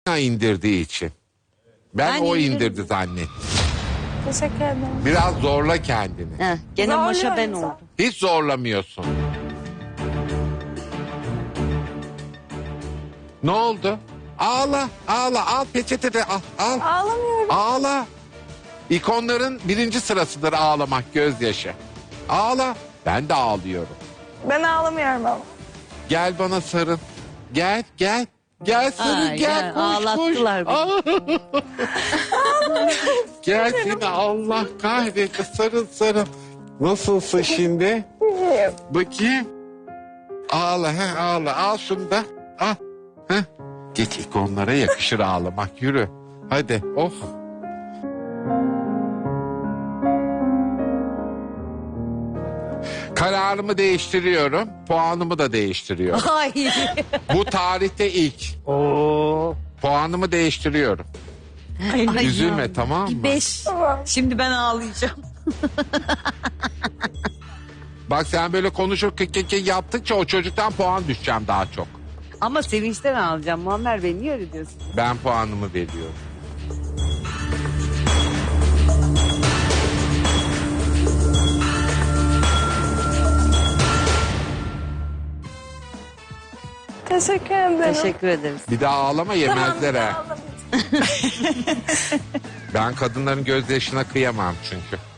indirdiği için. Ben o indirdi zannettim. Teşekkür ederim. Biraz zorla kendini. Heh, gene maşa ben Zorluyorum oldum. Hiç zorlamıyorsun. Ne oldu? Ağla, ağla, al peçete de al, al. Ağlamıyorum. Ağla. İkonların birinci sırasıdır ağlamak, gözyaşı. Ağla. Ben de ağlıyorum. Ben ağlamıyorum ama. Gel bana sarıl. Gel, gel. Gel sarıl, Ay, gel. gel, Koş, ağlattılar koş. Gel seni Allah kahretsin. Sarıl, sarıl. Nasılsın şimdi? İyiyim. Bakayım. Ağla, he, ağla. Al şunu da. Al. He. Geç ikonlara yakışır ağlamak. Yürü. Hadi. Oh. Kararımı değiştiriyorum. Puanımı da değiştiriyorum. Ay. Bu tarihte ilk. Puanımı değiştiriyorum. Ay, Üzülme, ya. tamam mı? 5. Tamam. Şimdi ben ağlayacağım. Bak sen böyle konuşur yaptıkça o çocuktan puan düşeceğim daha çok. Ama sevinçten ağlayacağım. Muammer Bey niye öyle diyorsun? Ben puanımı veriyorum. Teşekkür ederim. Teşekkür ederiz. Bir daha ağlama, yemezler ha. Ağlamayacağım. Ben kadınların gözyaşına kıyamam çünkü.